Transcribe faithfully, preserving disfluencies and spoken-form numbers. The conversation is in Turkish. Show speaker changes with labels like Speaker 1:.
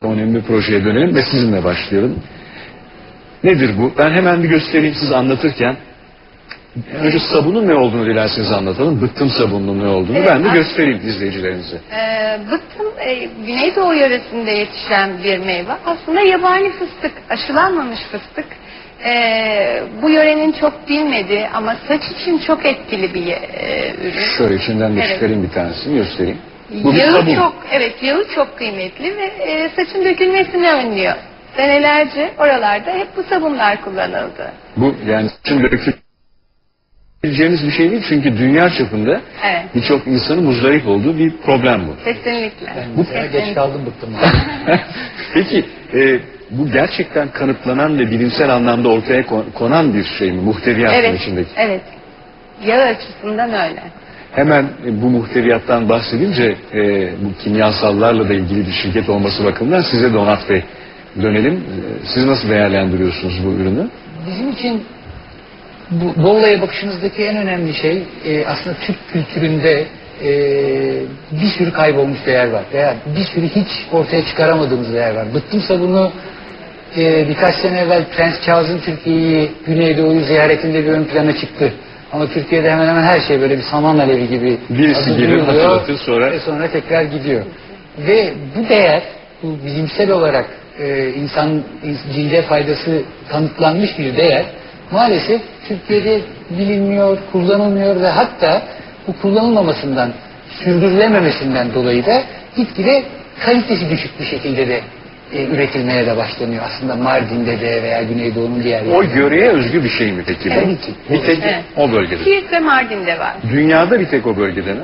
Speaker 1: önemli projeye dönelim ve sizinle başlayalım. Nedir bu? Ben hemen bir göstereyim siz anlatırken. Önce sabunun ne olduğunu dilerseniz anlatalım. Bıttım sabununun ne olduğunu
Speaker 2: Evet,
Speaker 1: ben de
Speaker 2: aslında-
Speaker 1: göstereyim izleyicilerimize.
Speaker 2: Ee, bıttım e, Güneydoğu yöresinde yetişen bir meyve. Aslında yabani fıstık, aşılanmamış fıstık. Ee, bu yörenin çok bilmediği ama saç için çok etkili bir e, ürün.
Speaker 1: Şöyle içinden de
Speaker 2: Evet.
Speaker 1: çıkarayım bir tanesini göstereyim. Bu bir
Speaker 2: Yağı
Speaker 1: sabun.
Speaker 2: çok, evet yağı çok kıymetli ve e, saçın dökülmesini önlüyor. Senelerce oralarda hep bu sabunlar kullanıldı.
Speaker 1: Bu yani saçın döküleceğimiz bir şey değil çünkü dünya çapında
Speaker 2: Evet.
Speaker 1: birçok insanın muzdarip olduğu bir problem bu.
Speaker 2: Kesinlikle.
Speaker 3: Ben bu sene geç kaldım bıktım.
Speaker 1: Peki e, bu gerçekten kanıtlanan ve bilimsel anlamda ortaya kon- konan bir şey mi? Muhteviyatın
Speaker 2: Evet,
Speaker 1: içindeki.
Speaker 2: evet. Yağı açısından öyle.
Speaker 1: Hemen e, bu muhteviyattan bahsedince e, bu kimyasallarla da ilgili bir şirket olması bakımından size de Onat Bey dönelim. E, siz nasıl değerlendiriyorsunuz bu ürünü?
Speaker 3: Bizim için bu, bu olaya bakışınızdaki en önemli şey e, aslında Türk kültüründe e, bir sürü kaybolmuş değer var. Veya bir sürü hiç ortaya çıkaramadığımız değer var. Bıttım sabunu e, birkaç sene evvel Prens Charles'ın Türkiye'yi, Güneydoğu'yu ziyaretinde bir ön plana çıktı. Ama Türkiye'de hemen hemen her şey böyle bir saman alevi gibi
Speaker 1: Birisi
Speaker 3: adı
Speaker 1: gelir,
Speaker 3: duyuluyor
Speaker 1: hatırlatır, sonra-
Speaker 3: ve sonra tekrar gidiyor. Ve bu değer, bu bilimsel olarak e, insan cilde faydası kanıtlanmış bir değer maalesef Türkiye'de bilinmiyor, kullanılmıyor ve hatta bu kullanılmamasından, sürdürülememesinden dolayı da gitgide kalitesi düşük bir şekilde de e, üretilmeye de başlanıyor aslında Mardin'de de veya Güneydoğu'nun diğer
Speaker 1: O
Speaker 3: yerlerinde.
Speaker 1: yöreye özgü bir şey mi peki bu?
Speaker 3: Tabii ki.
Speaker 1: Bir tek
Speaker 2: Evet.
Speaker 1: o bölgede.
Speaker 2: Siirt ve Mardin'de var.
Speaker 1: Dünyada bir tek o bölgede mi?